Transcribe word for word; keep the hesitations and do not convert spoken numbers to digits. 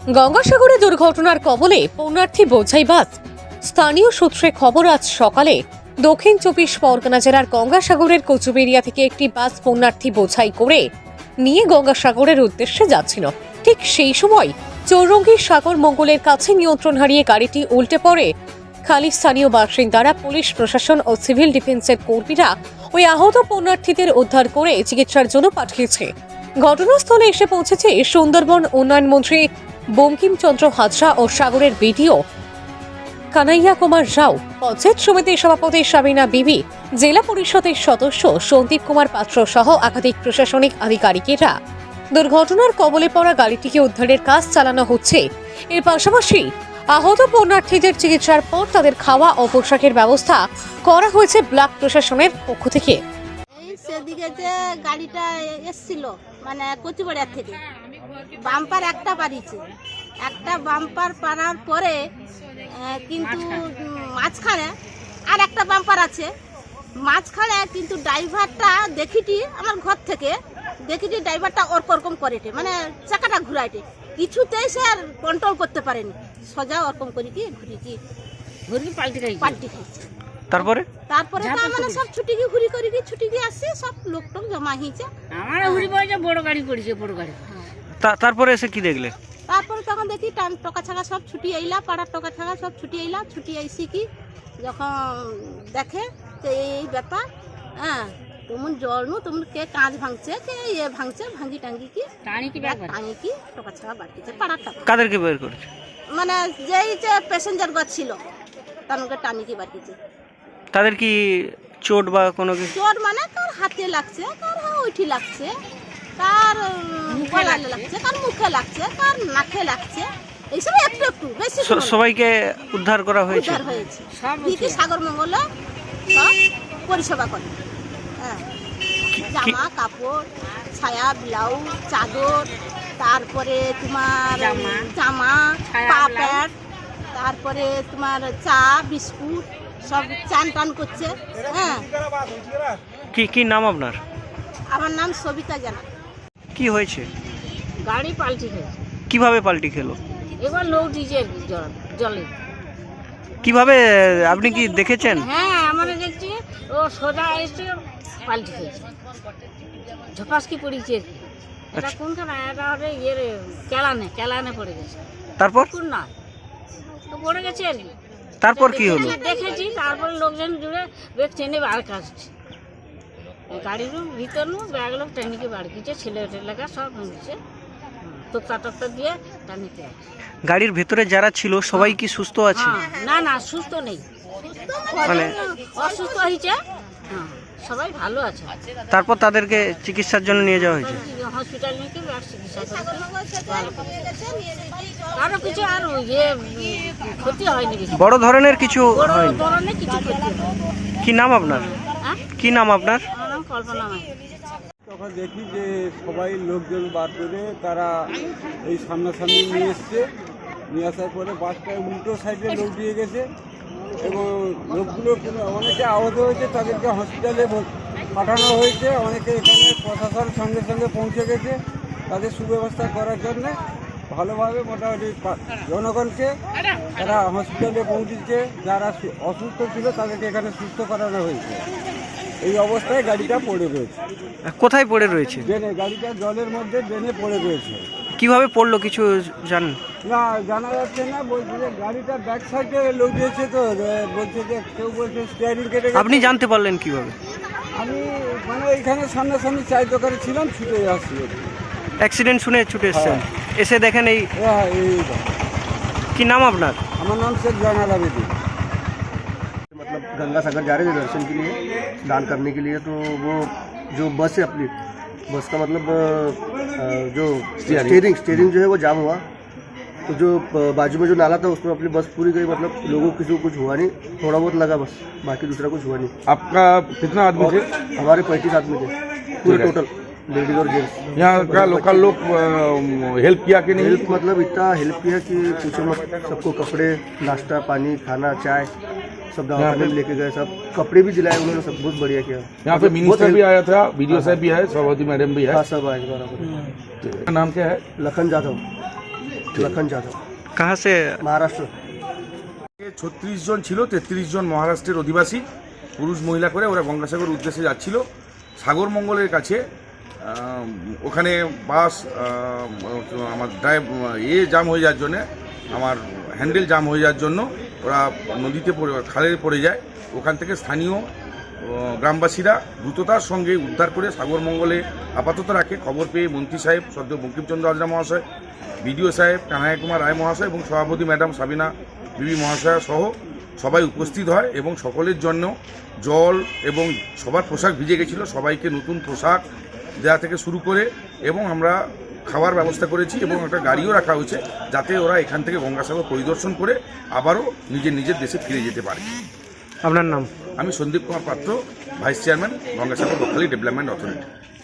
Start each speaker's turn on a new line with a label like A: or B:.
A: গঙ্গাসাগরে দুর্ঘটনার কবলে পণ্যার্থী বোঝাই বাস। স্থানীয় সূত্রে খবর, আজ সকালে দক্ষিণ চব্বিশ পরগনা জেলার গঙ্গাসাগরের কচুবেড়িয়া থেকে একটি বাস পণ্যার্থী বোঝাই করে নিয়ে গঙ্গাসাগরের উদ্দেশ্যে যাচ্ছিল। ঠিক সেই সময় চৌরঙ্গী সাগর মঙ্গলের কাছে নিয়ন্ত্রণ হারিয়ে গাড়িটি উল্টে পড়ে। খালি স্থানীয় বাসিন্দারা, পুলিশ প্রশাসন ও সিভিল ডিফেন্সের কর্মীরা ওই আহত পণ্যার্থীদের উদ্ধার করে চিকিৎসার জন্য পাঠিয়েছে। ঘটনাস্থলে এসে পৌঁছেছে সুন্দরবন উন্নয়ন মন্ত্রী বঙ্কিমচন্দ্র হাজরা ও সাগরের বিডিও কানাইয়া কুমার রাও, পঞ্চায়েত সমিতির সভাপতি সাবিনা বিবি, জেলা পরিষদের সদস্য সন্দীপ কুমার পাত্র সহ একাধিক প্রশাসনিক আধিকারিকেরা। দুর্ঘটনার কবলে পড়া গাড়িটিকে উদ্ধারের কাজ চালানো হচ্ছে। এর পাশাপাশি আহত পণ্যার্থীদের চিকিৎসার পর তাদের খাওয়া ও পোশাকের ব্যবস্থা করা হয়েছে ব্লক প্রশাসনের পক্ষ থেকে।
B: এই সেদিকে যে গাড়িটা এসছিল মানে কচুবাড়িয়া থেকে বাম্পার একটা পারিছে, একটা বাম্পার পারার পরে আহ, কিন্তু মাঝখানে আর একটা বাম্পার আছে মাঝখানে, কিন্তু ড্রাইভারটা দেখিটি আমার ঘর থেকে দেখিটি ড্রাইভারটা ওরকম করেটে, মানে চাকাটা ঘুরাইটে, কিছুতেই সে আর কন্ট্রোল করতে পারেনি, সোজা ওরকম করে কি ঘুরিটি ঘুরি পাল্টি খাই পাল্টি খাইছে। তারপরে তারপরে তো আমরা সব ছুটি গিয়ে ঘুরি করে গিয়ে ছুটি গিয়ে আসছে, সব লোক টোক জমা হয়েছে।
C: আমার ঘুরি পড়েছে, বড় গাড়ি পড়েছে, বড় গাড়ি।
D: তারপরে এসে কি দেখলে?
B: তারপরে তখন দেখি টান টকা ছাগা সব ছুটি আইলা, পাড়ার টকা ছাগা সব ছুটি আইলা, ছুটি আইসি কি যখন দেখে যে এই ব্যাপার, হ্যাঁ তেমন জল নু তেমন কে কাঁচ ভাঙছে, কে ইয়ে ভাঙছে, ভাঙি টাঙ্গি কি
C: টানি কি ব্যাপার
B: টাঙি কি টকা ছাগা বাড়িছে পাড়ার টাকা।
D: কাদেরকে বের করেছে?
B: মানে যেই যে প্যাসেঞ্জার গছ ছিল তাদেরকে টানি কি বাড়িছে।
D: তাদের কি চোট বা কোনো কিছু?
B: চোট মানে কার হাতে লাগছে, কার ওইটি লাগছে, কার গলায় লাগছে, কার মুখে লাগছে, কার নাকে লাগছে, এইসব একটু একটু বেশি
D: স- সবাইকে উদ্ধার করা হয়েছে।
B: উদ্ধার হয়েছে। দিদি সাগর মঙ্গলে সব পরিষেবা করে, হ্যাঁ জামা কাপড়, ছায়া ব্লাউজ, চাদর, তারপরে তোমার
C: জামা,
B: জামা
C: ছায়া,
B: পা
C: ব্লাউজ।
B: প্যাড, তারপরে তোমার চা বিস্কুট সব চান টান করছে। হ্যাঁ,
D: কি কি নাম আপনার?
B: আমার নাম সবিতা জানা।
D: কি হয়েছে?
C: গাড়ি পাল্টি খেয়েছে,
D: কিভাবে পাল্টি খেলো?
C: এবার লোক দিয়েছে জল জলে।
D: কিভাবে আপনি কি দেখেছেন?
C: হ্যাঁ আমরা দেখছি ও সোজা এসে পাল্টি খেয়েছে, ঝপাসকি পড়েছে আর কি। এটা
D: আচ্ছা।
C: কোনখানে? এটা হবে ইয়ের কেলানে, কেলানে পড়ে গেছে।
D: তারপর
C: কোন না তো পড়ে গেছে আর কি।
D: তারপর কি হলো?
C: দেখেছি, তারপর লোকজন জুড়ে ব্যাগ টেনে বার কাটছে, গাড়ির ভিতর নু ব্যাগ লোক টেনিকে বার কিছে, ছেলে টেলেকা সব ভেঙেছে, তোক্তা টোক্তা দিয়ে টানিতে।
D: গাড়ির ভেতরে যারা ছিল সবাই কি সুস্থ আছে?
C: হ্যাঁ, না না সুস্থ নেই,
D: মানে
C: অসুস্থ হয়েছে, হ্যাঁ সবাই ভালো আছে।
D: তারপর তাদেরকে চিকিৎসার জন্য নিয়ে যাওয়া হয়েছে।
C: হসপিটাল নিয়ে কি ব্যাগ চিকিৎসা করেছে, ভালো করেছে। কারো কিছু আর ইয়ে ক্ষতি হয়নি বেশি।
D: বড় ধরনের কিছু
C: বড়
D: হয়নি।
C: ধরনের কিছু ক্ষতি হয়নি।
D: কি নাম আপনার?
C: হ্যাঁ,
D: কি নাম আপনার?
C: আমার নাম কল্পনা মাই।
E: তখন দেখি যে সবাই লোকজন বার করে তারা এই সামনাসামনি নিয়ে এসছে, নিয়ে আসার পরে বাসটা উল্টো সাইডে লোক দিয়ে গেছে এবং লোকগুলো কোনো অনেকে আহত হয়েছে, তাদেরকে হসপিটালে ভর- পাঠানো হয়েছে। অনেকে এখানে প্রশাসন সঙ্গে সঙ্গে পৌঁছে গেছে তাদের সুব্যবস্থা করার জন্যে। ভালোভাবে মোটামুটি পা- জনগণকে তারা হসপিটালে পৌঁছেছে, যারা সু- অসুস্থ ছিল তাদেরকে এখানে সুস্থ করানো হয়েছে। এই অবস্থায় গাড়িটা পড়ে রয়েছে,
D: কোথায় পড়ে রয়েছে?
E: ড্রেনে, গাড়িটা জলের মধ্যে ড্রেনে পড়ে রয়েছে।
D: কিভাবে পড়লো কিছু জানেন?
E: না জানা যাচ্ছে না, বলছে যে গাড়িটা ব্যাক সাইডে লোক দিয়েছে, তো এ, বলছে যে কেউ বলছে স্টিয়ারিং কেটে গেছে।
D: আপনি জানতে পারলেন কিভাবে?
E: আমি মানে এখানে সামনাসামনি চায়ের দোকানে ছিলাম, ছুটে আসছি।
D: অ্যাক্সিডেন্ট শুনে ছুটে এসেছেন, এসে দেখেন এই।
E: হ্যাঁ, এই
D: কি নাম আপনার?
E: আমার নাম শেখ জানাল আবেদি।
F: मतलब गंगा सागर जा रहे थे दर्शन के लिए, स्नान करने के लिए, तो वो जो बस है अपनी बस का मतलब अ, जो स्टीयरिंग स्टीयरिंग जो है वो जाम हुआ, तो जो अ, बाजू में जो नाला था उसमें अपनी बस पूरी गई, मतलब लोगों को किसी को कुछ हुआ नहीं, थोड़ा बहुत लगा बस, बाकी दूसरा कुछ हुआ नहीं।
G: आपका कितना आदमी थे?
F: हमारे पैंतीस आदमी थे पूरे टोटल, लेडीज और जेंट्स।
G: यहाँ का लोकल लोग हेल्प किया कि नहीं?
F: हेल्प मतलब इतना हेल्प किया कि पूछो मत, सबको कपड़े, नाश्ता, पानी, खाना, चाय सब दवाखाने में लेके गए, सब कपड़े भी दिलाए उन्होंने, सब बहुत बढ़िया किया।
G: यहाँ पे मिनिस्टर भी आया था, बीडीओ साहब भी है, सभापति मैडम भी है।
F: हाँ सब आए बराबर।
G: नाम क्या है?
F: लखन जाधव।
G: थे
F: लखन यादव,
D: कहाँ से?
F: महाराष्ट्र।
G: ছত্রিশ জন ছিল, তেত্রিশ জন মহারাষ্ট্রের অধিবাসী, পুরুষ মহিলা করে ওরা গঙ্গাসাগর উদ্দেশ্যে যাচ্ছিল। সাগর মঙ্গলের কাছে আহ, ওখানে বাস আহ, আমার ড্রাইভ এ জাম হয়ে যাওয়ার জন্যে, আমার হ্যান্ডেল জাম হয়ে যাওয়ার জন্য ওরা নদীতে পড়ে খালে পড়ে যায়। ওখান থেকে স্থানীয় আহ, গ্রামবাসীরা দ্রুততার সঙ্গে উদ্ধার করে সাগর মঙ্গলে আপাতত রাখে। খবর পেয়ে মন্ত্রী সাহেব সদ্য বঙ্কিমচন্দ্র হাজরা মহাশয়, বিডিও সাহেব কানাইয়া কুমার রায় মহাশয় এবং সভাপতি ম্যাডাম সাবিনা বিবি মহাশয়া সহ সবাই উপস্থিত হয় এবং সকলের জন্য জল এবং সবার পোশাক ভিজে গেছিলো, সবাইকে নতুন পোশাক দেওয়া থেকে শুরু করে এবং আমরা খাওয়ার ব্যবস্থা করেছি এবং একটা গাড়িও রাখা হয়েছে যাতে ওরা এখান থেকে গঙ্গাসাগর পরিদর্শন করে আবারও নিজের নিজের দেশে ফিরে যেতে পারে।
D: আপনার নাম?
G: আমি Sandip Kumar Patra, vice chairman, Gangasagar Bakkhali development authority.